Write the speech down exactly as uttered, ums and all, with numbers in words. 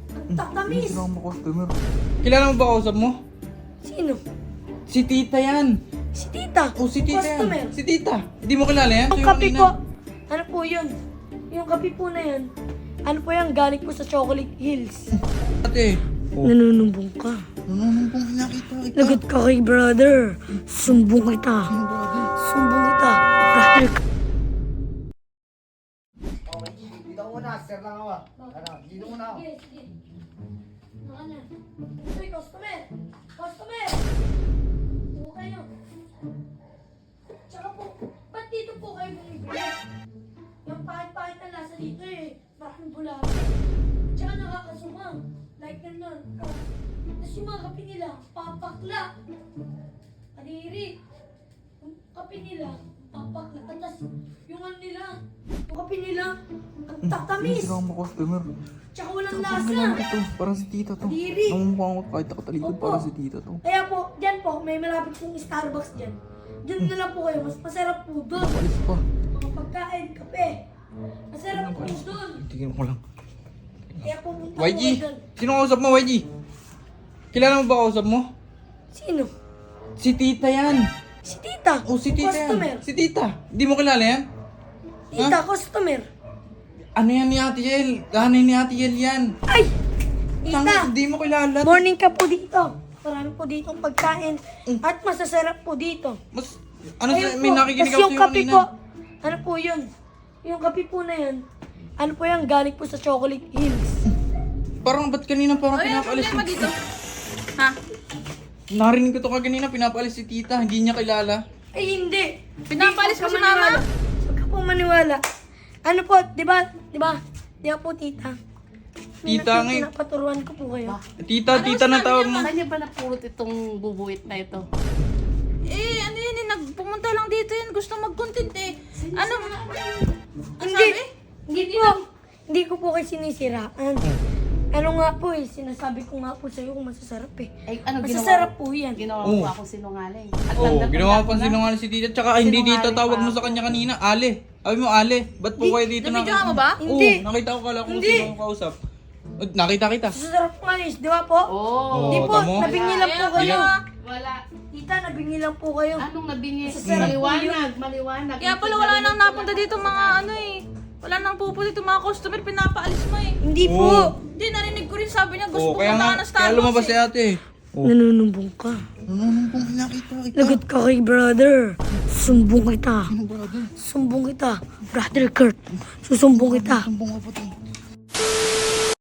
Ang tatamis. Hindi mo customer. Kilala mo ba kausap mo? Sino? Si tita yan. Si tita. O si tita Customer. yan. Si tita. Hindi mo kilala yan? Yung Ito kape kanina. po. Ano po yun? Yung kape po na yan. Ano po yan? Galing po sa Chocolate Hills. Ate. Oh. Nanunumbong ka. Nanunumpong nakita kita. Lagot ka kay brother. Sumbong kita. Ano brother? Sumbong kita. Brother ka. Dito muna, sir lang ako. Ano, dito muna ako. Sige, sige. Ano na? Uy, customer! Customer! Tuwa kayo. Tsaka po, ba't dito po kayo bumibili? Yung pahit-pahit na lasa dito eh. Maraming bulaga. Tsaka nakakasumang. Like ganun. Tapos yung mga kape nila, papakla. Kadiri. Yung kape nila, papakla. Tapos yung ano nila, yung kape nila, ang tatamis. Hindi mo customer. Tsaka walang Parang lasa. kilala ko to. Parang si tita to. Diri. Namumukha ko kahit ako talikod. Opo. Parang si tita to. Kaya po, dyan po, may malapit pong Starbucks dyan. Dyan na lang po kayo, mas masarap po doon. Alis pa. Mga pagkain, kape. Masarap po doon. Tingin ko lang. Kaya pumunta po Y G! kayo doon. Sino kausap mo, Y G? Kilala mo ba kausap mo? Sino? Si tita yan. Si tita. O si tita Customer. yan. Si tita. Hindi mo kilala yan? Tita, customer. Ano yan ni Ate Yel? Ganay ni Ate Yel yan. Ay! Tangos, Tita, hindi mo kilala. morning ka po dito. Marami po dito pagkain. At masasarap po dito. Mas, ano Ayun sa, may po. nakikinig Tas ako yung sa'yo kape kanina. po, ano po yun? Yung kape po na yun, ano po yan, galing po sa Chocolate Hills. Parang ba't kanina parang Ay, ano pinapaalis problema si... dito? Ha? Narinig ko to kanina, pinapaalis si tita. Hindi niya kilala. Ay, hindi. Pinapalis Hindi mo po si ka maniwala. mama? Huwag ka po maniwala. Ano po, di ba? Di ba? Di ba po, tita? Tita nga eh. Pinapaturuan ko po kayo. Tita, tita na tawag mo. Saan niya ba napulot itong bubuit na ito? Eh, ano yun eh, nagpumunta lang dito yun. Gusto mag-content eh. Ano? Ang Hindi. sabi? Hindi po. Hindi ko po kayo sinisiraan. Ano nga po eh, sinasabi ko nga po sa'yo kung masasarap eh. Ay, ano Masasarap ginawa? po yan. Ginawa Oo. mo ako sinungaling. At Oo, tanda-tanda ginawa ko pa na. sinungaling si tita. Tsaka hindi tita Sinungaling tawag pa mo sa ako. kanya kanina. Ale. Sabi mo Ale. Ba't po Di- kayo dito nabidyohan mo ba? Hindi. Oo, nakita ko kala kung Hindi. sino ang kausap. Uh, Nakita kita. Masasarap nga eh, di ba po? Oo. Hindi Oo, po, tamo. nabingi lang po Ayan, kayo. wala. Wala. Tita, nabingi lang po kayo. Anong nabingi? Masasarap po Maliwanag, maliwanag. Kaya pala wala nang napunta dito mga ano eh. Wala nang pupunta dito mga customer, pinapaalis mo eh. Hindi Oo. po. Hindi, narinig ko rin sabi niya, gusto Oo, ko kaya punta nga, ng kaya Starbucks lumabas si eh. ate. Oo. Nanunumbong ka. Nanunumpong nakita kita. Lagot ka kay brother. Sumbong kita. Ano brother? Sumbong kita. Brother Kurt. Susumbong kita. Sumbong ka pa to.